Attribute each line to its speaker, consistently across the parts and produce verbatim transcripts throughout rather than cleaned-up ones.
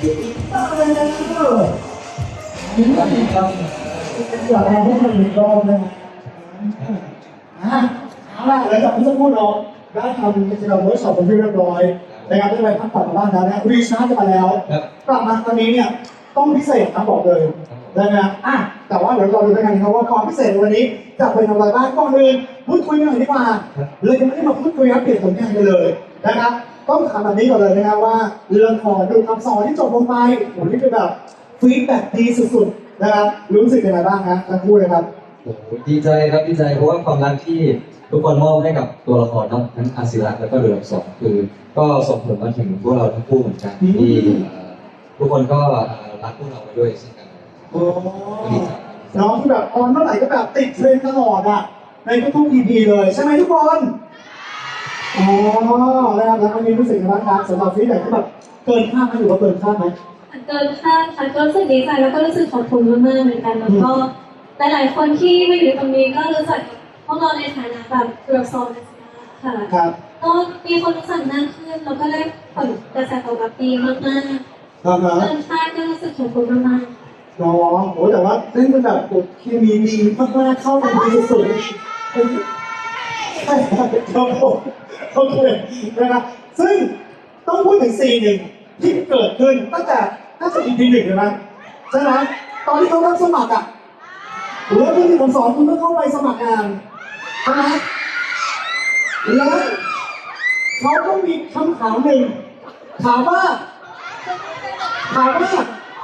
Speaker 1: นี่ก็เป็นการเกิดอะไรให้มันมีรอบนะอ่ะเอาล่ะหลังจากที่ทั้งคู่เราได้ทำกิจกรรมเวิร์กช็อปเป็นที่เรียบร้อยนะครับได้ไปพักผ่อนบ้านแล้วนะรีชาร์จกันมาแล้วกลับมาตอนนี้เนี่ยต้องพิเศษนะบอกเลยได้ไหมอ่ะแต่ว่าเดี๋ยวเราดูกันนะครับว่าความพิเศษวันนี้จะเป็นอะไรบ้างก่อนอื่นพูดคุยกันหน่อยดีกว่าเลยจะไม่ได้มาพูดคุยอัปเดตผลงานกันเลยนะครับต้องถามแบบนี้ก่อนเลยนะครับว่าเรื่องของดูคำสอนที่จบลงไปโหนี่คือแบบฟีดแบ็กดีสุดๆนะครับรู้สึกยังไงบ้างครับทั้งคู่เลยครับ
Speaker 2: โอ้โหดีใจครับดีใจเพราะว่าความรักที่ทุกคนมอบให้กับตัวละครเนาะทั้งอาศิระแล้วก็เรือสองคือก็ส่งผลมาถึงพวกเราทั้งคู่เหมือนกันที่ทุกคนก็รักพวกเราไปด้วยเช่นกัน
Speaker 1: โอ้น้องที่แบบออนเมื่อไหร่ก็แบบติดเทรนด์ตลอดอ่ะในทุกๆ อี พี เลยใช่ไหมทุกคนอ๋อแล้วแล้ววันนี้รู้สึกยังไงบ้างครับสำหรับฟีดแบ็กที่แบบเกินคาดไหมหรือว่าเกินคาดไหม
Speaker 3: เกินคาดค่ะก็รู้สึกดีใจแล้วก็รู้สึกขอบคุณมากๆเหมือนกันแล้วก็หลายๆคนที่มาอยู่ตรงนี้ก็รู้จักพวกเราในฐานะแบบเรือโซนค่ะ
Speaker 1: ครับ
Speaker 3: ก็มีคนรู้จักมากขึ้นแล้วก็ได้ผลกระแสตอบรับดีมากๆเกินคาดก็รู้สึกขอบคุณมาก
Speaker 1: ๆน้องโอ้แต่ว่าเล่นเป็นแบบเคมีดีมากๆเข้ากันดีสุดๆใช่ครับผมโอเคนะครับซึ่งต้องพูดถึงซีนหนึ่งที่เกิดขึ้นตั้งแต่ตั้งแต่ อี พี หนึ่งเลยนะใช่ไหมตอนที่เขารับสมัครอ่ะหรือว่าที่ผมสอนคุณต้องเข้าไปสมัครงานใช่ไหมแล้วเขาก็มีคำถามหนึ่งถามว่าถามว่า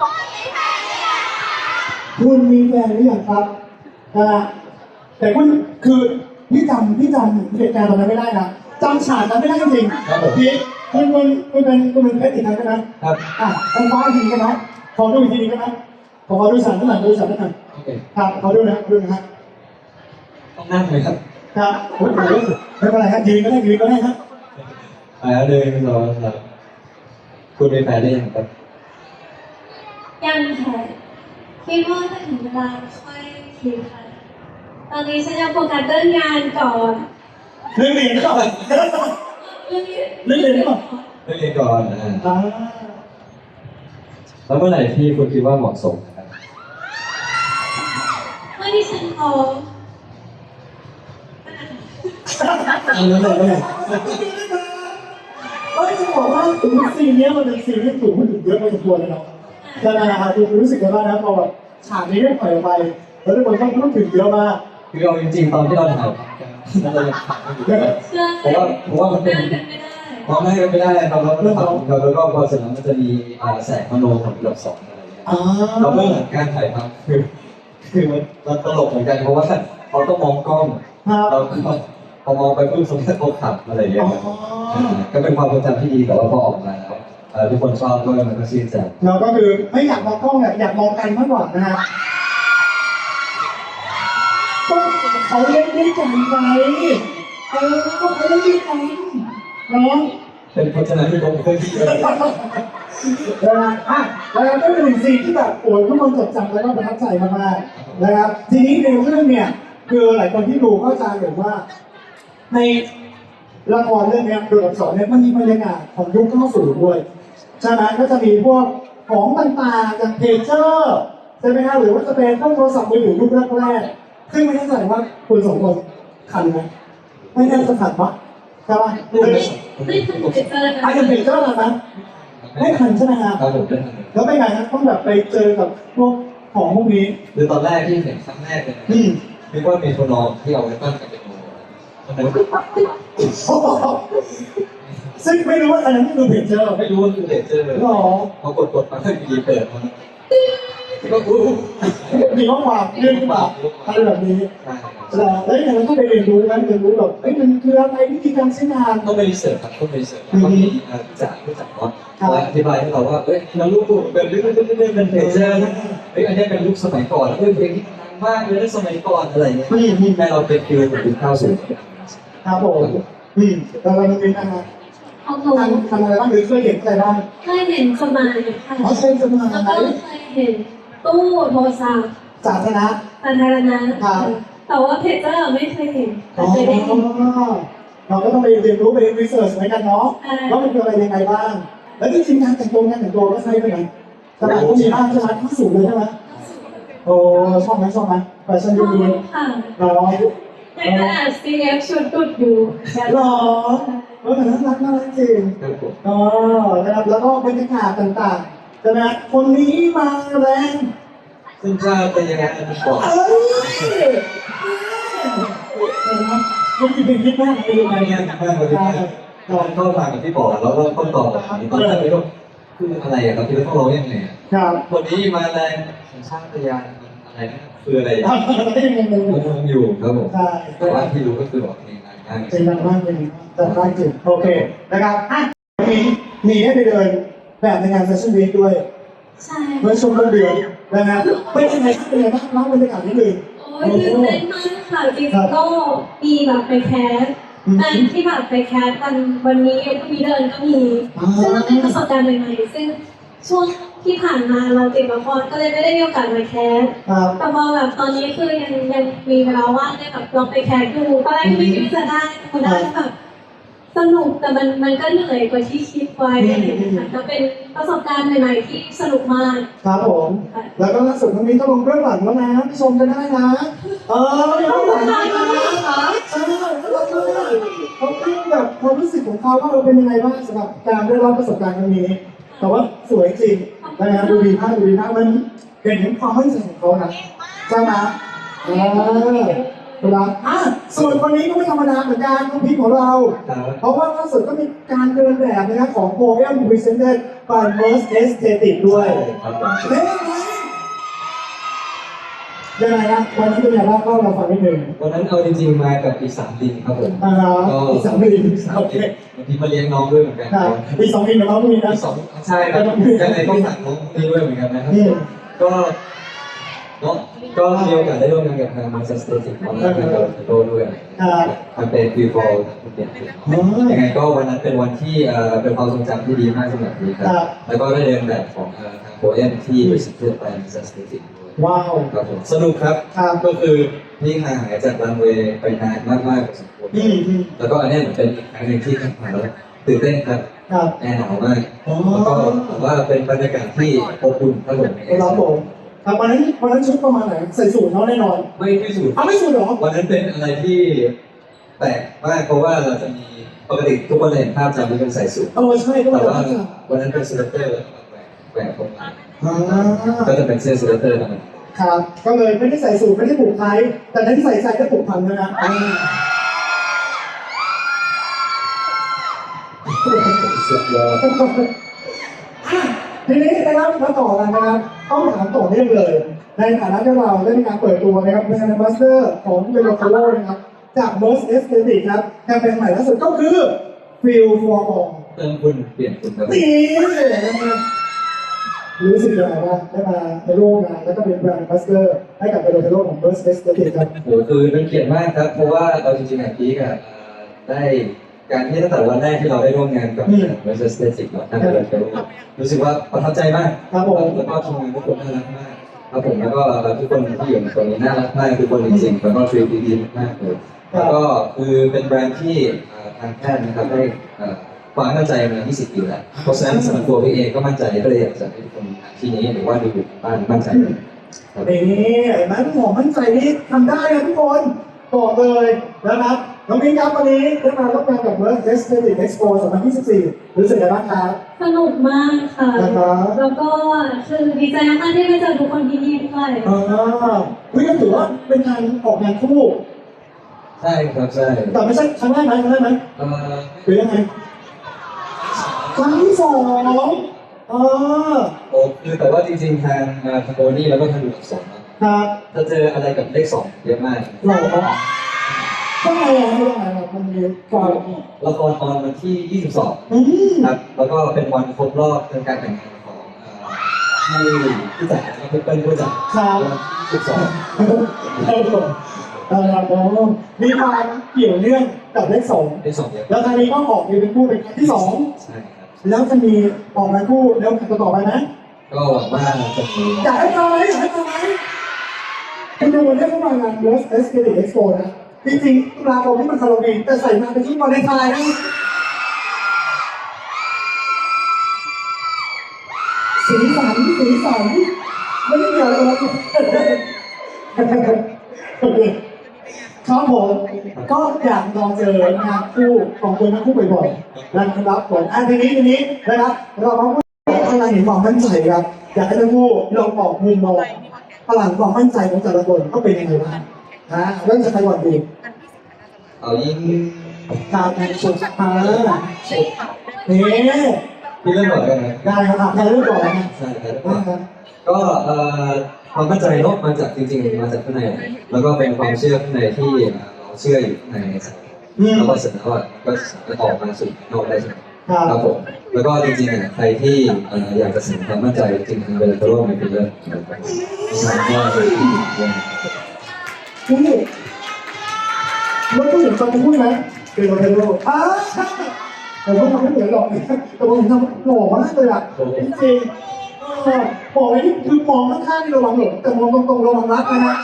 Speaker 1: คุณมีแฟนหรือยังครับนะแต่คุณคือพี่จำพี่จำเหตุการณ์ตอนนั้นไม่ได้นะจำฉากนั้นไม่ได้จริงๆพี่คุณคุณคุณเป็นคุณเป็นเพชรอีกครั้งใช่ไหม
Speaker 2: ครับ
Speaker 1: อ่ะคุณฟ้าอีกทีกันนะขอดูอีกทีนึงได้ไหมขอขอดูฉากนั้นหน่อยดูฉากนั้นหน่อยครับขอดูนะดูนะฮะ
Speaker 2: ต้องนั่งเลยครับ
Speaker 1: ครับโอ้โหไม่เป็นไรครับยืนก็ได้ยืนก็ได้ครับ
Speaker 2: ไปแล้วเลยไม่รอครับคุณเป็นแฟนได้ยังครับ
Speaker 3: ยังค่ะคิดว่าถ้าถึงเวลาค่อยคิดค่ะตอนนี้ฉันจะโฟกัสเรื่องงานก่อน
Speaker 1: เรื่องเรียนก่อนเรื่องเรียนก่อน
Speaker 2: เรื่องเรียนก่อนนะแล้วเมื่อไหร่ที่คุณคิดว่าเหมาะสมครับ
Speaker 3: เมื่อที่ฉันพร้อม
Speaker 1: เอาเลยเอาเลยเฮ้ยจะบอกว่าซีนนี้มันเป็นซีนที่ถูกพูดถึงเยอะพอสมควรเลยเนาะใช่ไหมครับคุณรู้สึกยังไงบ้างนะพอแบบฉากนี้ได้ปล่อยออกไปแล้วทุกคนต้องพูดถึงเยอะมาก
Speaker 2: คือเอาจริงๆตอนที่เราถ่ายเรายังถ่ายไม่อยู่เพราะว่าเพราะว่ามันเป็นเพราะไม่ไม่ได้ครับเราเราเราแล้วก็พอเสร็จแล้วมันจะมีแสงมโนของระดับสองอะไรอย่างเงี้ยเราเมื่อการถ่ายทำคือคือมันมันตลกเหมือนกันเพราะว่าเขาต้องมองกล้องเราก็พอมองไปปุ๊บสมมติเขาขับอะไรอย่างเงี้ยก็เป็นความทรงจำที่ดีแต่ว่าพอออกมาแล้วทุกคนชอบก็มันก็ชื่นใจ
Speaker 1: เราก็คือไม่อยากมองกล้องอยากมองกันมากกว่านะฮะก็เขาเล่นด้วยกันไงเออก็เขาเล่นด้วยกันเนาะ
Speaker 2: เป็นพจนานุกรมเคยที่เลย
Speaker 1: นะครับอ่ะแล้วก็เป็นซีนที่แบบโอ้ยทุกคนจดจำแล้วก็ประทับใจมากๆนะครับทีนี้ในเรื่องเนี่ยคือหลายคนที่ดูเข้าใจเห็นว่าในละครเรื่องนี้ดูอักษรเนี่ยมันมีบรรยากาศของยุคเก้าสิบด้วยใช่ไหมก็จะมีพวกของต่างๆอย่างเพจเจอร์ใช่ไหมครับหรือว่าจะเป็นพวกโทรศัพท์มือถือยุคแรกๆซึ่งไม่แน่ใจว่าคุณสองคนทันไหมไม่แน่จะทันปะใช่ปะ
Speaker 3: ไม่ทันเพจเจอร์นะ
Speaker 1: อาจจะเพจเจอร์นะไม่ทันใช่ไหมครับแล้วไปไหนครับต้องแบบไปเจอกับพวกของพวกนี้
Speaker 2: คือตอนแรกที่เห็นครั้งแรกเลยนึกว่ามีโทรนอมที่เอาไว้ตั้งกับเป็นโ
Speaker 1: ซึ่งไม่รู้ว่าอันนั้นคือเพจเจอร์
Speaker 2: ไม่รู้ว่าคือเพจเจอร์
Speaker 1: หรอ
Speaker 2: พอกดกดมาก็ดีเปิดมาก็อู้
Speaker 1: มีข้อความเรื่องแบบอะไรแบบนี้แล้วอย่างนั้นก็ไปเรียนรู้กันเรียนรู้แบบเอ้ยมันคืออะไรวิธีการใช้งาน
Speaker 2: ต้องไปรีเสิร์ชครับต้องไปรีเสิร์ชต้องมีจากผู้จัดเนาะอธิบายให้เราว่าเอ้ยเราลูกเป็นเรื่องเรื่องเรื่องเป็นเพจเจอร์เอ้ยอันนี้เป็นลูกสมัยก่อนเอ้ยเพลงที่ดังมากเลยในสมัยก่อนอะไรเงี้ยที่แม่เราเป็นฟิลแบบเข้าสู่
Speaker 1: ครับผมอืมแล้วเราเป็นยังไงทำทำอะไรบ้างหรือเคยเห็นอะไรบ้าง
Speaker 3: เคยเห็นสมัยค่ะ
Speaker 1: อ๋อเคยสมัย
Speaker 3: แล้วก็เคยเห็นตู้โทรศัพท์
Speaker 1: สาธารณะ
Speaker 3: สาธารณะแต่ว่าเพจเจอร์ไม่เคยเห็นแต่เคยได้ยิน
Speaker 1: เราก็ต้องไปเรียนรู้ไปรีเสิร์ชเหมือนกันเนาะว่ามันคืออะไรยังไงบ้างแล้วจริงๆงานแต่งตัวงานแต่งตัวก็ใช่ไหมสมัยก็มีบ้างใช่ไหมที่สุดเลยใช่ไหมโอ้ชอบไหมชอบไหมแฟชั่น
Speaker 3: ช
Speaker 1: ยุ
Speaker 3: อ
Speaker 1: คนี้
Speaker 3: บค่ะ
Speaker 1: เนาะ
Speaker 3: แต่ก็แอบซีเอฟชุดกุดอยู่แบบ
Speaker 1: หรอเออแต่น่ารักน่ารักจริง
Speaker 2: ครับผม
Speaker 1: อ๋อนะครับแล้วก็บรรยากาศต่างๆใช่ไหมคนนี้มาแรง
Speaker 2: ซึ่งถ้าเป็นยังไงอันนี้ก่อน
Speaker 1: เอ้ยเห็นไหมมันคือเป็นคิดมากเป็นยังไง
Speaker 2: ไม่
Speaker 1: เนี่
Speaker 2: งั้
Speaker 1: ย
Speaker 2: นมากกว่าที่ตอนเข้าทางกับพี่ปอแล้วก็ต้นต่อแบบนี้ตอนแรกไม่รู้คืออะไรอะครับที่ต้องร้องยังไงอะ
Speaker 1: ครับ
Speaker 2: คนนี้มาแรงสัญชาตญาณอะไรนะคืออะไร
Speaker 1: อ่ะก็ยังงงๆอยู่
Speaker 2: งงอยู่ครับผม
Speaker 1: ใช่
Speaker 2: แต่ว่าที่รู้ก็คือบอกเพลงดังมาก
Speaker 1: เป็นดังมากเป็นดังมากจริงโอเคนะครับอ่ะมีมีให้ไปเดินแบบในงานแฟชั่นวีคด้วย
Speaker 3: ใช่
Speaker 1: เมื่อช่วงต้นเดือนนะครับเป็นยังไงเป็นยังไงบ้างเล่าบรรยากาศนิดนึง
Speaker 3: โอ้ยตื่นเต้นมากค่ะจริงๆก็มีแบบไปแคสแฟนที่แบบไปแคสกันวันนี้ก็มีเดินก็มีซึ่งมันเป็นประสบการณ์ใหม่ๆซึ่งช่วงที่ผ่านมาเราติดละครก็เลยไม่ได้มีโอกาสมาแคส
Speaker 1: ครับ
Speaker 3: แต่พอแบบตอนนี้คือยังยังมีเวลาว่างได้แบบลองไปแคสดูตอนแรกก็ไม่คิดว่าจะได้พอได้แล้วแบบสนุกแต่มันมันก็เหนื่อยกว่าที่คิดไว้อะไรอย่างเงี้ยค่ะก็เป็นประสบการณ์ใหม่ๆที่สนุกมาก
Speaker 1: ครับผม แล้วก็ล่าสุดมันมีก็ลงเรื่องหลังแล้วนะไปชมกันได้นะ เออมีเรื่องหลังนะใช่แล้วก็เขาพูดแบบความรู้สึกของเขาว่าเราเป็นยังไงบ้างสำหรับการได้รับประสบการณ์ครั้งนี้ แต่ว่าสวยจริงนะดูดีมากดูดีมากมันเห็นถึงความมั่นใจของเขานะใช่ไหมเออครับอ่ะส่วนคนนี้ก็ไม่ธรรมดาเหมือนกันน้องพีคของเรา
Speaker 2: ครับ
Speaker 1: เพราะว่าล่าสุดก็มีการเดินแบบนะครับของ Poem Presented by Merce Aesthetic ด้วย
Speaker 2: ครับผม
Speaker 1: เฮ้ยยังไงนะวันนี้เป็นยังไงบ้างเล่าเราฟังนิดหนึ่ง
Speaker 2: วันนั้นเอาจริงๆมากับปีสามดินครับผม
Speaker 1: อ่าฮะ
Speaker 2: ก็
Speaker 1: อีกสามปี
Speaker 2: สาม
Speaker 1: โอเค
Speaker 2: ดินบางทีมาเลี้ยงน้องด้วยเหมือนกัน
Speaker 1: ครับอีกสองปีเดี๋ยวเราต้องมีนะ
Speaker 2: สองใช่ครับยังไงก็ฝากน้องนี่ด้วยเหมือนกันนะครับ
Speaker 1: นี่
Speaker 2: ก็เนาะก็มีโอกาสได้ร่วมงานกับทางมาสเตอร์สเตติกของทางกับโตด้วยทำเป็นวีฟอลเปลี่ยนยังไงก็วันนั้นเป็นวันที่เอ่อเป็นความทรงจำที่ดีมากสำหรับพี่ครับแล้วก็ได้เดินแบบของทางโปรเอ็มที่บริษัทเพื่อไปมาสเตอร์สเตติกด้วย
Speaker 1: ว้าว
Speaker 2: ครับผมสนุกครับ
Speaker 1: ครับ
Speaker 2: ก็คือพี่ห่างหายจากรันเวย์ไปนานมากๆพอสมควร
Speaker 1: อืมอืม
Speaker 2: แล้วก็อันนี้เหมือนเป็นอีกครั้งหนึ่งที่ทำมาแล้วตื่นเต้นครับ
Speaker 1: ครับ
Speaker 2: แอร์หนาวมาก
Speaker 1: อ๋อ
Speaker 2: แล้วก็ผมว่าเป็นบรรยากาศที่อบอุ่นครับผม
Speaker 1: ครับผมครับวันนั้นวันนั้นชุดประมาณไหนใส่สูทเนาะแน่นอน
Speaker 2: ไม่ไม่สูด
Speaker 1: เอาไม่สูทเหรอ
Speaker 2: วันนั้นเป็นอะไรที่แปลกมากเพราะว่าเราจะมีปกติทุกคนเห็นภาพจำที่เป็นใส่สูท
Speaker 1: เออใช่ก็
Speaker 2: แต่
Speaker 1: มา
Speaker 2: ว่า
Speaker 1: จาก
Speaker 2: วันนั้นเป็นสเวตเตอร์แล้วก็แหวกแหวกตรงมา
Speaker 1: อ่า
Speaker 2: ก็จะเป็นเสื้อสเวตเตอร์นะครับ
Speaker 1: ครับ ก็เลยไม่ได้ใส่สูทไม่ได้ผูกไทยแต่ที่ใส่ใส่ก็ผูกพันนะนะอ่า
Speaker 2: สุดยอด
Speaker 1: ทีนี้นะครับมาต่อกันนะครับต้องถามต่อเนื่องเลย ในฐานะที่เราได้มีการเปิดตัวนะครับเป็นแอมบาสเดอร์ของเบลโคโลนะครับจาก Merce Aesthetic ครับแคมเปญใหม่ล่าสุดก็คือ Feel for All
Speaker 2: เติมคุณเปลี่ยนคุณครับ
Speaker 1: นี่นะครับรู้สึกยังไงบ้างได้มาในร่วมงานแล้วก็เป็นแบรนด์แอมบาสเดอร์ให้กับเบลโคโลของ Merce Aesthetic ครับ
Speaker 2: โหคือเป็นเกียรติมากครับ เพราะว่าเราจริงๆอ่ะพีกอ่ะได้การที่ตั้งแต่วันแรกที่เราได้ร่วมงานกับเวสต์สเตติกเนาะทางเดินไปรู้สึกว่าประทับใจมาก
Speaker 1: ครับผม
Speaker 2: แล้วก็ทีมงานทุกคนน่ารักมากครับผมแล้วก็ทุกคนที่อยู่ในตรงนี้น่ารักมากทุกคนจริงๆแล้วก็ทรีดีดีมากเลยแล้วก็คือเป็นแบรนด์ที่ทางแพทย์นะครับได้ความมั่นใจมายี่สิบปีแล้วเพราะฉะนั้นสำหรับตัวพี่เองก็มั่นใจก็เลยอยากจะให้ทุกคนที่นี้หรือว่าดูบ้านมั่นใจครับ
Speaker 1: นี่เห็นไหมหมอมั่นใจนี่ทำได้นะทุกคนบอกเลยนะครับน้องพิงครับวันนี้ได้มาร่วมงานกับ Merce Aesthetic Expo สองพันยี่สิบสี่รู้สึกยังไงบ้างครับ
Speaker 3: สนุกมากค่ะ
Speaker 1: นะครับ
Speaker 3: แล้วก็คือดีใจมากๆที่ได้เจอทุกคนที่นี่ด้วย
Speaker 1: อ่าวิก็ถือว่าเป็นการออกงานคู่
Speaker 2: ใช่ครับใช่
Speaker 1: แต่ไม่ใช่ครั้งแรกไหมครั้งแรกไหม
Speaker 2: เอ่อ
Speaker 1: หรือยังไงครั้งที่สองอ่า
Speaker 2: โอ้คือแต่ว่าจริงๆทางทางโบนี่แล้วก็ทางดูอักษรนะครับ ถ้าเจออะไรกับเลขสองเยอะมาก
Speaker 1: หล่อครับทำไมอ่ะทำไมอ่ะมันมีความ
Speaker 2: ละครออนวันที่ยี่สิบสอง
Speaker 1: อืม
Speaker 2: ครับ แล้วก็เป็นวันครบรอบการแต่งงานของเอ่อที่ที่จัดแล้วก็เปิ้ลผู้จัด
Speaker 1: ครับ
Speaker 2: วันที่ยี่สิบสอง
Speaker 1: เออครับผมมีความเกี่ยวเนื่องกับเลขสอง
Speaker 2: เลขสองเยอะ
Speaker 1: แล้วครั้งนี้ก็ออกมาเป็นคู่เป็นครั้งที่สอง
Speaker 2: ใช่ครับ
Speaker 1: แล้วจะมีออกมาคู่แล้วครั้งต่อไปไหม
Speaker 2: ก็หวังว่าจะมี
Speaker 1: อยากให้มาไหมอยากให้มาไหมคุณดูวันนี้เข้ามางาน Merce Aesthetic Expo นะจริงๆตุลาคมที่มันฮาโลวีนแต่ใส่มาเป็นชุดวาเลนไทน์นะสีสันสีสันไม่ได้เกี่ยวกับเราโอเคครับผมก็อยากลองเจองานคู่ของคนทั้งคู่บ่อยๆนะครับผมอันทีนี้ทีนี้นะครับเรามาพูดพลังแห่งความมั่นใจครับอยากให้ทั้งคู่ลองบอกมุมมองพลังความมั่นใจของแต่ละคนก็เป็นยังไงบ้างนะเริ่มจากใครก่อนดี
Speaker 2: เอายิ่ง
Speaker 1: การแข่งขันมาเนี่ย
Speaker 2: ที่เรื่องก่อนกันนะ
Speaker 1: ได้ครับใครเริ่มก่อนนะ
Speaker 2: ใช่ครับก็เอ่อความมั่นใจเนาะมาจากจริงๆมาจากข้างในแล้วก็เป็นความเชื่อข้างในที่เราเชื่ออยู่ข้างในแล้วก็เสร็จแล้วก็จะออกมาสู่นอกได้ใช่ไหมครับผมแล้วก็จริงๆอ่ะใครที่อยากจะเสริมความมั่นใจจริงๆเวลาจะร่วมเป็นเรื่องใช่ก็เป็นที่ดีด้วย
Speaker 1: พูดแล้วก็เห็นตอนพูดไหมเป็นโรเทโรอ่าแต่ว่ามันไม่เหมือนหรอกแต่ว่าผมทำหล่อมากเลยอ่ะจริงๆบอกเลยที่คือมองข้างๆนี่ระวังหลงแต่มองตรงๆระวังรักนะฮะ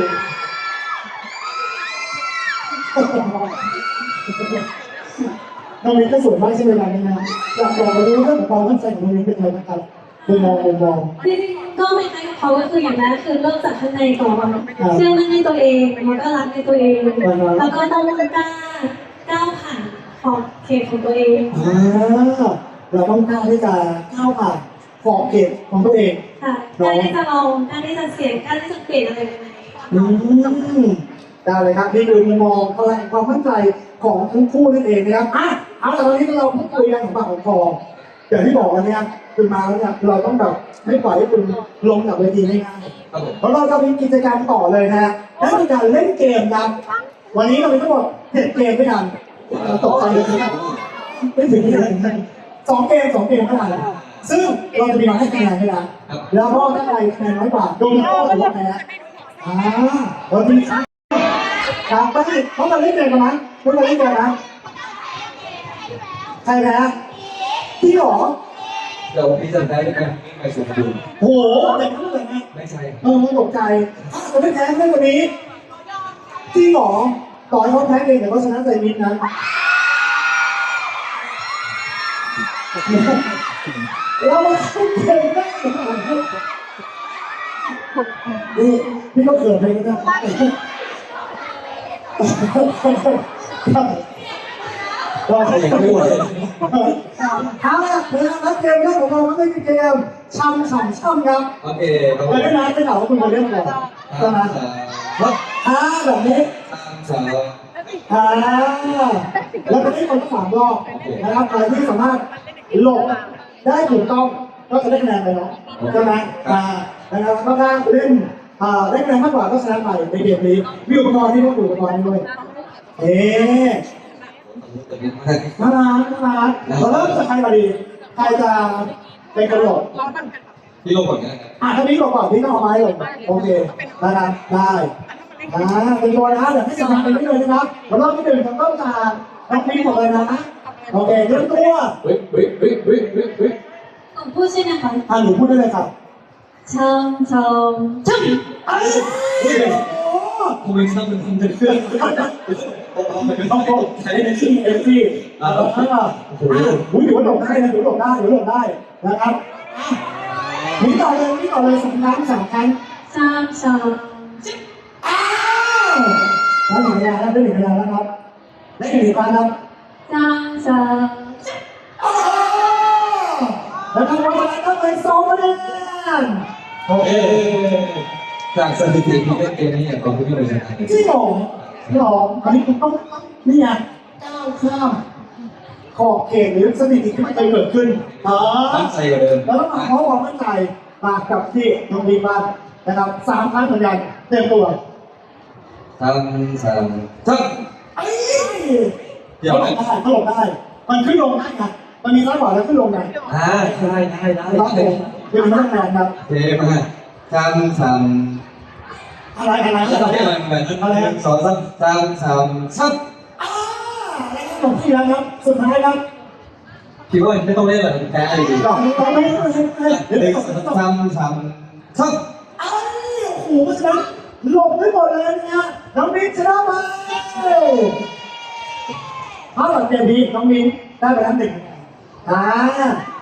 Speaker 1: น้องมิ้นก็สวยมากใช่ไหมล่ะนี่นะอยากบอกเลยว่าเรื่องของความมั่นใจของน้องมิ้นเป็นไงบ้างครับมุมมองมุมมอง
Speaker 3: จริงๆก็ไม่ใช่กับเขาก็คืออย่างแรกคือเริ่มจากข้างในก่อนเชื่อมั่นในตัวเองแล้วก็รักในตัวเองแล้วก็ต้องกล้าก้าวผ่านขอบเขตของตัวเอง
Speaker 1: อ่าเราต้องกล้าที่จะก้าวผ่านขอบเขตของตัวเอง
Speaker 3: ค่ะการที่จะลองการที่จะเสี่ยงการที่จะเปลี่ยนอะไรใหม่
Speaker 1: อืมได้เลยครับนี่คือมุมมองพลังความมั่นใจของทั้งคู่นั่นเองนะครับอ่ะเอาแต่ตอนนี้เราพูดคุยกันของปากของคออย่างที่บอกกันเนี่ยคือมาแล้วเนี่ยเราต้องแบบไม่ปล่อยให้คุณลงจากเวทีง่ายๆเพราะเราจะมีกิจกรรมต่อเลยนะนั่นคือการเล่นเกมครับวันนี้เรามีทั้งหมดเจ็ดเกมด้วยกันเราตกใจเลยนะไม่ถึงเลยสองเกมสองเกมเท่านั้นซึ่งเราจะมีมาให้คะแนนด้วยนะแล้วก็ถ้าใครคะแนนน้อยกว่าโดนข้อถือว่าแพ้อ่าเราจะมีครับไม่ใช่เขามาเล่นเกมกันนะเขามาเล่นเกมนะใครแพ้พี่หรอ
Speaker 2: เดี๋ยวพี่จะได้ด้วยกันไปสุดดู
Speaker 1: โหเด็กนั่นเลยนะ
Speaker 2: ไม่ใช่
Speaker 1: เออตกใจถ้าจะไม่แพ้เล่นวันนี้จริงหรอต่อให้เขาแพ้เองแต่ก็ชนะใจมิดนะเรามาเข้าเกมได้นี่พี่ก็เกิดไปกันนะเราให้กันไม่ไหวเอาละเวลานัดเกมแรกของเราไม่ได้เกมช่ำช่ำช่ำครับ
Speaker 2: โอเคครับ
Speaker 1: ไม่ได้นะไม่ถามว่าคุณมาเล่นก่อนใช่ไหม
Speaker 2: ครับ
Speaker 1: อ่าแบบนี้
Speaker 2: สาม
Speaker 1: อ่าแล้วก็ได้คนสามรอบนะครับใครที่สามารถหลบได้ถูกต้องก็จะได้คะแนนไปเนาะใช่ไหมอ่านะครับก็ถ้าเล่นอ่าได้คะแนนมากกว่าก็ชนะไปในเกมนี้มีอุปกรณ์ที่ต้องอุปกรณ์ด้วยเอ๊ะน่ารักน่ารักเราเริ่มจากใครมาดีใครจะเป็นกระโดด
Speaker 2: พี่ลงก่อนนะ
Speaker 1: อ่ะถ้านี้ก่อนก่อนพี่ต้องเอาไม้ลงโอเคนะครับได้อ่าเป็นตัวนะเดี๋ยวให้สมัครเป็นที่เลยนะครับแล้วรอบที่หนึ่งจะต้องจากน้องพี่หมดเลยนะโอเคเตรียมตัว
Speaker 2: เฮ้ยเฮ้ยเฮ้ยเฮ้ยเฮ้ยเฮ้ย
Speaker 3: ผมพูดใช่ไหมคะ
Speaker 1: อ่ะหนูพูดได้เลยครับ
Speaker 3: ช่างช่างช่าง
Speaker 1: เอ้ยโอ้
Speaker 2: ทำไมช่างมันทำจะเครื่อง
Speaker 1: ต้องโกใช้ในที่เอฟซีอ่าโอ้โหอุ้ยถือว่าหลบได้นะถือว่าหลบได้ถือว่าหลบได้นะครับนี่ต่อเลยนี่ต่อเลยสามครั้งสามครั้ง
Speaker 3: ช่างช่าง
Speaker 1: อ้าวแล้วหนึ่งคะแนนแล้วได้หนึ่งคะแนนแล้วครับได้อีกหนึ่งครั้งครับ
Speaker 3: ช่างช่าง
Speaker 1: อ้าวแล้วทำวันนั้นก็เป็นสองคะแนนโอเค
Speaker 2: จากสถิติที่เล่นเกมนี้อย่างตอนที่พี่เลยชนะ
Speaker 1: จริงเหรอจริงเหรออันนี้คุณต้องนี่ไงก้าวข้ามขอบเขตหรือสถิติที่ไม่เคยเกิดขึ้นอ๋อ
Speaker 2: ตั้งใจกว่าเดิม
Speaker 1: แล้วก็มาเพราะความมั่นใจมากับที่น้องดีบ้านนะครับสามครั้งเหมือนกันเต็มตัว
Speaker 2: ทำสามท
Speaker 1: เอ้ยเขาหลบได้เขาหลบได้ มันขึ้นลงได้ไงมันมีซ้ายขวาแล้วขึ้นลงไง
Speaker 2: ำอ่าได้ได้ได้
Speaker 1: ครับผมเป็นนักแมนครับ
Speaker 2: เทมาทำสาม
Speaker 1: อะไรอะไร
Speaker 2: อะ
Speaker 1: อะไร
Speaker 2: ไรอะไรอะไรสองสามสามสามซับ
Speaker 1: อ่าอะไรครับผมที่แล้วครับสุดท้ายครับ
Speaker 2: คิดว่าไม่ต้องเล่นหรอกแพ้อะไรดี
Speaker 1: ดอกนี้ต้องไม่ให้ให้ให้
Speaker 2: เด็กทำสามซับ
Speaker 1: ไอ้โอ้โหเพราะฉะนั้นหลบไม่หมดเลยเนี่ยน้องมิ้นชนะไปถ้าหลังเกมนี้น้องมิ้นได้ไปแล้วหนึ่งอ่า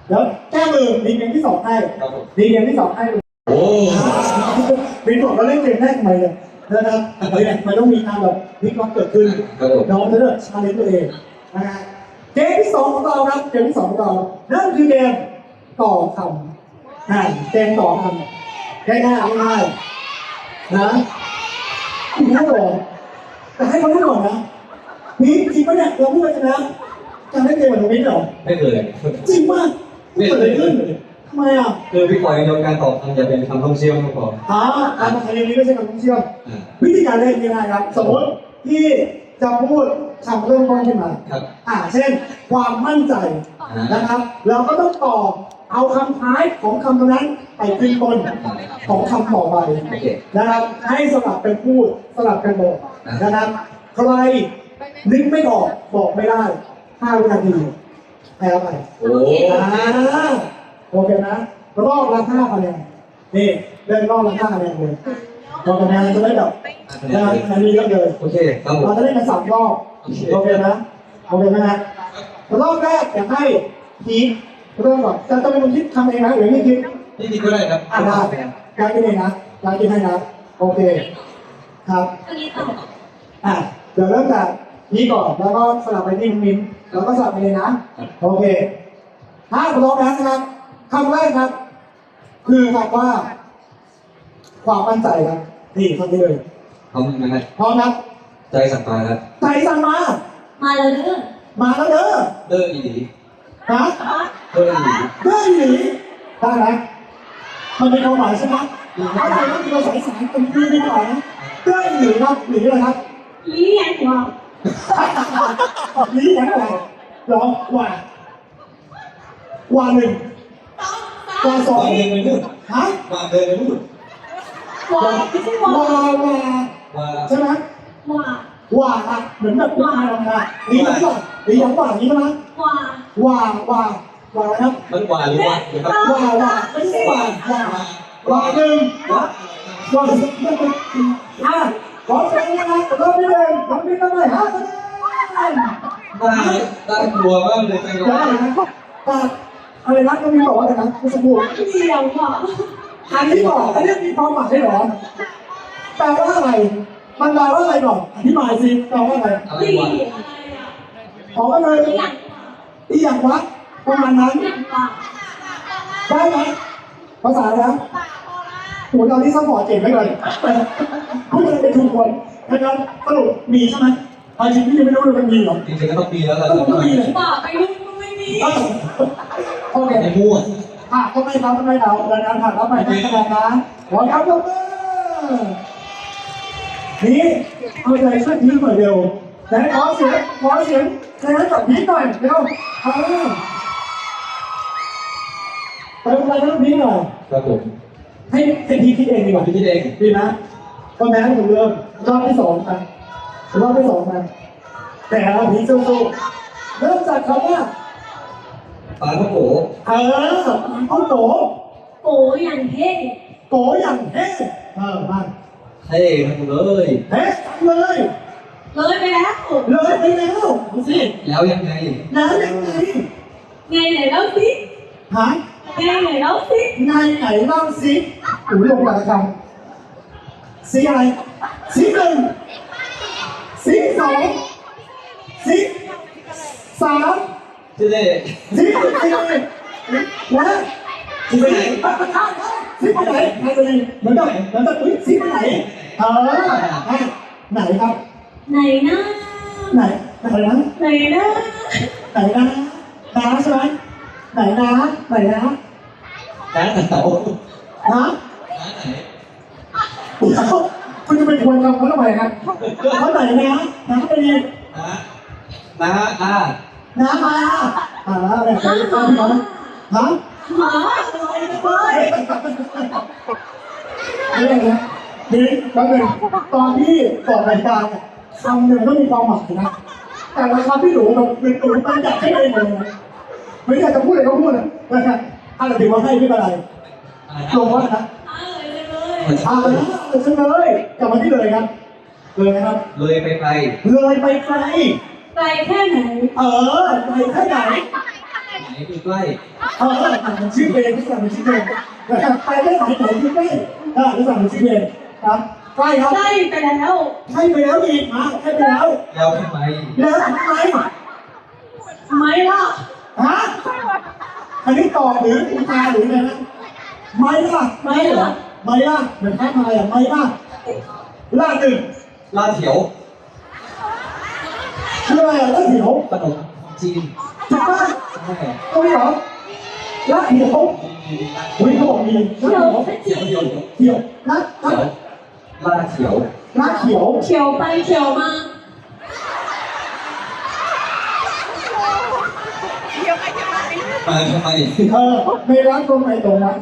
Speaker 1: เดี๋ยวแก้มือมีเกมที่สองให้
Speaker 2: ครับผม
Speaker 1: มีเกมที่สองให้
Speaker 2: โอ้
Speaker 1: วินบอกเราเล่นเกมแรกทำไมเนี่ยนะครับเฮ้ยมันต้องมีการแบบวิเคราะห์เกิดขึ้น
Speaker 2: ครับผม
Speaker 1: น้องจะเลือกชาเลนจ์ตัวเองนะฮะเกมที่สองของเราครับเกมที่สองของเรานั่นคือเกมต่อคำอ่าเกมต่อคำง่ายๆง่ายๆนะคุณรู้หรอแต่ให้เขารู้ก่อนนะนี่จริงปะเนี่ยเราพูดไปนะจะเล่นเกมแบบนี้เหรอ
Speaker 2: ไม่เคย
Speaker 1: จริงป่ะไม่เกิดอะไรขึ้นทำไมอ่ะ
Speaker 2: คือพี่ปอยโดนการตอบคำอย่าเป็นคำท่องเที่ยวก็พอ
Speaker 1: อ่าการมาทำอย่างนี้ไม่ใช่การท่องเที่ยว
Speaker 2: อ่า
Speaker 1: วิธีการเล่นยังไงครับ สมมติที่จะพูดคำเริ่มต้นขึ้นมา
Speaker 2: ครับ
Speaker 1: อ่าเช่น ความมั่นใจ
Speaker 2: อ่าน
Speaker 1: นะครับ เราก็ต้องตอบเอาคำท้ายของคำนั้นไปขึ้นต้นของคำต่อไป
Speaker 2: โอเค
Speaker 1: นะครับ ให้สลับเป็นพูดสลับกันบอกนะครับ ใครนึกไม่ออกบอกไม่ได้ห้าวินาทีแพ้ไป
Speaker 2: โอ้
Speaker 1: อ่าโอเคนะรอบละห้าคะแนนนี่เล่นรอบละห้าคะแนนเลยรอบคะแนนจะได้แบบนะอันนี้เยอะเลย
Speaker 2: โอเคครับผม
Speaker 1: เราจะเล่นกันสามรอบโอเคนะโอเคไหมฮะรอบแรกอยากให้พีคเริ่มก่อนจะจะเป็นคนคิดทำเองนะหรือไม่คิด
Speaker 2: นี่คิดก็ได้ครับ
Speaker 1: อ่าได้การกินเองนะการกินให้นะโอเคครับ
Speaker 3: อันนี้ต่อ
Speaker 1: อ่ะเดี๋ยวเริ่มจากนี้ก่อนแล้วก็สลับไปที่คุณมิ้นแล้วก็สลับไปเลยนะโอเคถ้าพร้อมแล้วนะครับคำแรกครับ คือคำว่า ความมั่นใจครับนี่คำนี้เลย
Speaker 2: พร้อมไหมครับ
Speaker 1: พร้อมครับ
Speaker 2: ใจสั่งมาครับ
Speaker 1: ใจสั่งมา
Speaker 3: มาแล้วเด้อ
Speaker 1: มาแล้วเด้อ
Speaker 2: เด้ออีหลี
Speaker 1: ฮะ
Speaker 2: เด้ออีหลี
Speaker 1: เด้อหนีได้ไหมมันเป็นความหมายใช่ไหมถ้าเราต้องมีภาษาอีสานเป็นชื่อไม่ได้นะเด้อหนีครับหนีอะไรครับ
Speaker 3: ลี้ยงหัว
Speaker 1: นี่ยังไงร้องว่าว่าหนึ่งว่าสอง
Speaker 2: วางเดินไปนู่น
Speaker 1: ฮะ
Speaker 2: วางเดินไปนู่น
Speaker 3: หัวไม่ใช่หัว
Speaker 1: ว่าว่า
Speaker 2: ว่า
Speaker 1: ใช่ไหม
Speaker 3: หัว
Speaker 1: ว่าอะเหมือนแบบว่าอะไรนะนี่ยังว่านี่ยังว่านี่ใช่ไหม
Speaker 3: หัว
Speaker 1: ว่าว่าว่าครับ
Speaker 2: มันว่าหรือว่าหรือครับ
Speaker 1: ว่าว่าไม่ใช่ว่าว่าว่าหนึ่ง
Speaker 2: ว่า
Speaker 1: ว่าสองอ่ะขอเสียงนะครับรอบที่หนึ่งรอบที่เท่าไหร่ฮะ
Speaker 2: น่าน่ากลัวมากเลยจัง
Speaker 1: ได้นะแต่อะไรนะก็มีบอกว่าอะไรนะคุณสมบูรณ์
Speaker 3: เดียวหัว
Speaker 1: อันนี้บอกอันนี้มีความหมายเหรอแปลว่าอะไรมันแปลว่าอะไรก่อนอธิบายสิแปลว่าอะไร
Speaker 2: อะไร
Speaker 3: ดี
Speaker 2: วะ
Speaker 3: อะไรอ่ะ
Speaker 1: ขอก็เลย
Speaker 3: หลัง
Speaker 1: ที่อยากวัดประมาณนั้น
Speaker 3: หลังปาก
Speaker 1: ได้ไหมภาษาแล้วโหตอนนี้ซัพพอร์ตเก่งไม่เลยพูดอะไรเป็นทุกคนนะครับสรุปมีใช่ไหมเอาจริงพี่ยังไม่รู้เลยมันมีหรอ
Speaker 2: จริงๆก็ต้องปีแล้วแหละ
Speaker 1: ก็ต้องมีเลย
Speaker 3: ปากไปรุ่นก็ไม่มี
Speaker 1: โอเค
Speaker 2: ไอ้มั่ว
Speaker 1: อ่ะก็ไม่เราก็ไม่เราแล้วนะผ่านเราไปได้คะแนนนะขอครับยกมือนี่เอาใจช่วยพีคหน่อยเร็วแต่ขอเสียงขอเสียงในนั้นกับพีคหน่อยเร็วเออไปไปต้องพีคหน่อย
Speaker 2: ครับผม
Speaker 1: ให้ให้พีคคิดเองดีกว่า
Speaker 2: พี่คิดเอง
Speaker 1: ดีนะก็แม้ผมเริ่มรอบที่สองกันรอบที่สองกันแต่เราพีคสู้ๆเริ่มจากคำว่า
Speaker 2: ปลาท่องโก
Speaker 1: เออเอาโต
Speaker 3: โกอย่างเท่
Speaker 1: โกอย่างเฮ้เออมา
Speaker 2: เท่ทั้งเลย
Speaker 1: เฮ้เลย
Speaker 3: เลยไปแล้ว
Speaker 1: เลยไปแล้วดูสิ
Speaker 2: แล้วยังไง
Speaker 1: แล้วยังไง
Speaker 3: ไงไหนเล่าสิ
Speaker 1: หา
Speaker 3: ไงไหนเล่าสิ
Speaker 1: ไงไหนเล่าสิอุ้ยลงหลักคำสีอะไรสีหนึ่งสีสองสีสาม
Speaker 2: ชื่อเล่
Speaker 1: สีสี่และ
Speaker 2: ชื่อไปไหน
Speaker 1: สีไปไหนไหนเลยเหมือนกับเหมือนกับอุ้ยสีไปไหนเออไหนครับ
Speaker 3: ไหนนะ
Speaker 1: ไหนไหนนะ
Speaker 3: ไหนนะ
Speaker 1: ไหนนะน้าใช่ไหมไหนนะไหนนะ
Speaker 2: น้าหนาว
Speaker 1: ฮะ
Speaker 2: น้าไหน
Speaker 1: เดี๋ยวคุณจะไปทวนคำเขาทำไมครับเขาไหนนะน้าไปดี
Speaker 2: น้าน้าอา
Speaker 1: น้ามาอ่าแบบนี้ก็พี่น้องฮะ
Speaker 3: หมาลอยไปเลย
Speaker 1: นี่อะไรนะนี่แป๊บนึงตอนที่ก่อนรายการเนี่ยคำหนึ่งก็มีความหมายนะแต่ละคำที่หนูแบบเป็นตัวตั้งใจให้เองเลยนะไม่อยากจะพูดอะไรก็พูดนะนะครับอะไรถือว่าให้ไม่เป็นไรลงว่านะ
Speaker 3: อ่าเลยเลย
Speaker 1: อ่าเลยเฉลยกลับมาที่เลยครับเลยนะครับ
Speaker 2: เลยไปไกล
Speaker 1: เลยไปไกล
Speaker 3: ไกลแค่ไหน
Speaker 1: เออไปแค่ไหน
Speaker 2: ไหนคือใกล้
Speaker 1: เออมันชื่อเพลงที่สั่งเป็นชื่อเพลงนะครับไปได้หลายเพลงที่ใกล้อ่าที่สั่งเป็นชื่อเพลงครับใกล้ครับ
Speaker 3: ได้ไปแล้ว
Speaker 1: ให้ไปแล้วอีกมาให้ไปแล้ว
Speaker 2: แล้วทำไม
Speaker 1: แล้วทำไม
Speaker 3: ไม่ล่ะ
Speaker 1: ฮะอันนี้ตอบหรืออุทานหรือไงนะไม่ล่ะไม่ล่ะไม่ล่ะเหมือนท้าทายอ่ะไม่ล่ะล่าหนึ่ง
Speaker 2: ลาดเถียว
Speaker 1: ชื่ออะไรอ่ะล่าเหียว
Speaker 2: ขนมจีน
Speaker 1: ถูกปะ
Speaker 2: ใช่
Speaker 1: ตัวนี้เหรอล่าเหียวอุ้ยเขาบอกมีล่าเหียว
Speaker 2: เถียวเถียว
Speaker 1: เหียวล่าล่า
Speaker 2: เถียวลาดเถียว
Speaker 1: ล่าเขียว
Speaker 3: เขียวไปเขียวมา
Speaker 2: มาทำไม
Speaker 1: เออไม่รักตรงไหนตรงนั้น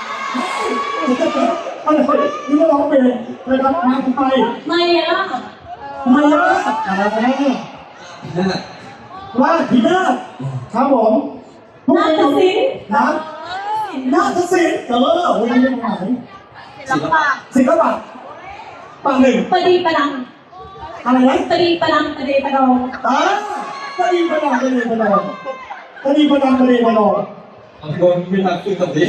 Speaker 1: อะไรนี่ก็ร้องเพลงนะครับมาทำไม
Speaker 3: ไม่ล่ะ
Speaker 1: ไม่ล่ะอะไร
Speaker 2: น่า
Speaker 1: ล่าผีหน้าครับผมทุก
Speaker 3: น่า
Speaker 1: คน
Speaker 3: จะสิ
Speaker 1: นะน่าจะสิเออวันนี้เป็นไหน
Speaker 2: ศิลปะ
Speaker 1: ศิลปะปะหนึ่ง
Speaker 3: ประดีประดัง
Speaker 1: อะไรนะ
Speaker 3: ประดีประดังประดีประดอง
Speaker 1: อ่าปะดีประดังปะดีประดังปะดีประดังปะดีประดัง
Speaker 2: บางคนไม่ทักขึ้นแบบนี้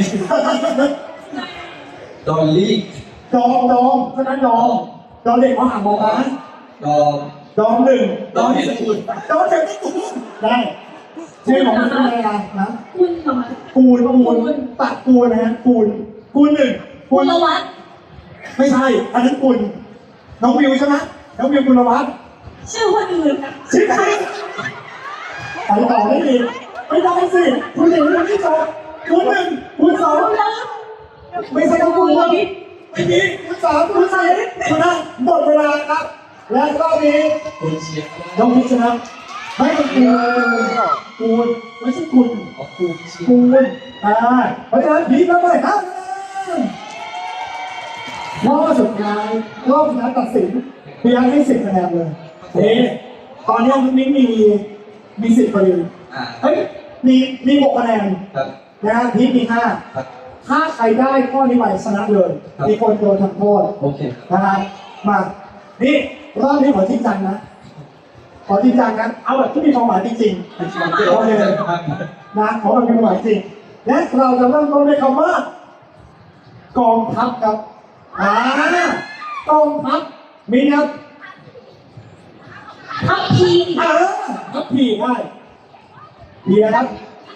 Speaker 2: ดอลลี่
Speaker 1: ดองดองฉะนั้นดองดองเด็กเขาหาบอกนะ
Speaker 2: ดอม
Speaker 1: ดองหนึ่ง
Speaker 2: ดอมเห็นอุ่น
Speaker 1: ดองเด็กที่กูได้ชื่อของมันเป็นอะไรนะ
Speaker 3: คุณเหรอ
Speaker 1: กูนกูนตัดกูนนะฮะกูนกูนหนึ่ง
Speaker 3: กุลวัฒน์
Speaker 1: ไม่ใช่ อันนั้นกุลน้องวิวใช่ไหมน้องวิวกุลวัฒน์
Speaker 3: ชื่อคนอื่นค่ะ
Speaker 1: ชื่อใครไปต่อไม่ดีไม่ได้สิคุณหนึ่งคุณที่สองคุณหนึ่งคุณสอง
Speaker 3: กุลวัฒน์
Speaker 1: ไม่ใช่น้องคุณไม่มีคุณสามคุณสี่ชนะหมดเวลาครับ และรอบนี้
Speaker 2: คนเชียร์
Speaker 1: น้องพิชชนะไม่เป็นกูกูไม่ใช่คุณ
Speaker 2: ออกคูเชียร์
Speaker 1: กูอ่าเพราะฉะนั้นพีแล้วไปห้าคะแนนรอบสุดท้ายรอบสุดท้ายตัดสินเพียงให้สิบคะแนนเลยนี่ตอนนี้น้องมิ้นมีมีสิบพอดี
Speaker 2: อ่า
Speaker 1: เฮ้ยมีมีหกคะแนน
Speaker 2: ครับ
Speaker 1: นะฮะพีมีห้า
Speaker 2: ครับ
Speaker 1: ถ้าใครได้ข้อนี้ไปชนะเลย
Speaker 2: ครับ
Speaker 1: มีคนโดนทำโทษ
Speaker 2: โอเค
Speaker 1: นะครับมานี่รอบนี้ขอจริงจังนะขอจริงจังกันเอาแบบที่มีความหมายจริงๆ
Speaker 2: มันเกิดอะไรขึ้นครับ
Speaker 1: นะขอแบบมีความหมายจริง และเราจะเริ่มต้นด้วยคำว่า กองทัพครับอ่ากองทัพมีครับ
Speaker 3: ทัพพี
Speaker 1: อ่าทัพพีได้พีนะครับ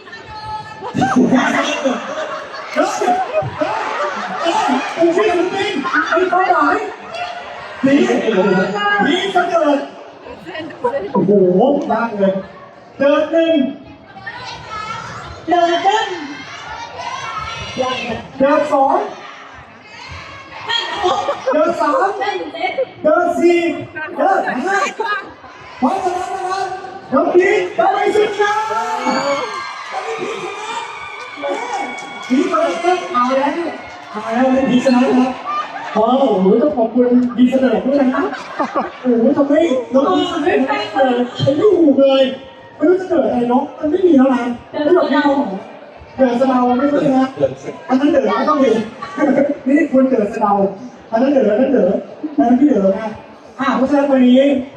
Speaker 1: เฮ้ยเฮ้ยเฮ้ยชื่อจริงๆมีความหมายผีผีจะเกิดโอ้โหยากเลยเกิดหนึ่ง
Speaker 3: เดินเดิน
Speaker 1: เดินสอง
Speaker 3: แม่นโอ๊ะ
Speaker 1: เดินสาม
Speaker 3: แม่นเด็ด
Speaker 1: เดินสี่เดินห้าเพราะฉะนั้นนะครับน้องพีทำไมชนะพีทชนะเอาแล้วเอาแล้วพีทชนะครับโอ้โหต้องขอบคุณดีเสนอด้วยนะโอ้โหทำให้น้องพีทไม่ได้เลยไม่รู้เลยไม่รู้จะเกิดอะไรเนาะมันไม่มีแล้วนะไม่หลอกเราเกิดสะเดาไม่ใช่นะ
Speaker 2: เกิดสึก
Speaker 1: อันนั้นเดือดไม่ต้องมีนี่คุณเดือดเดาอันนั้นเดือดอันนั้นเดือดอันนั้นพี่เดือดนะอ่าเพราะฉะนั้นวันนี้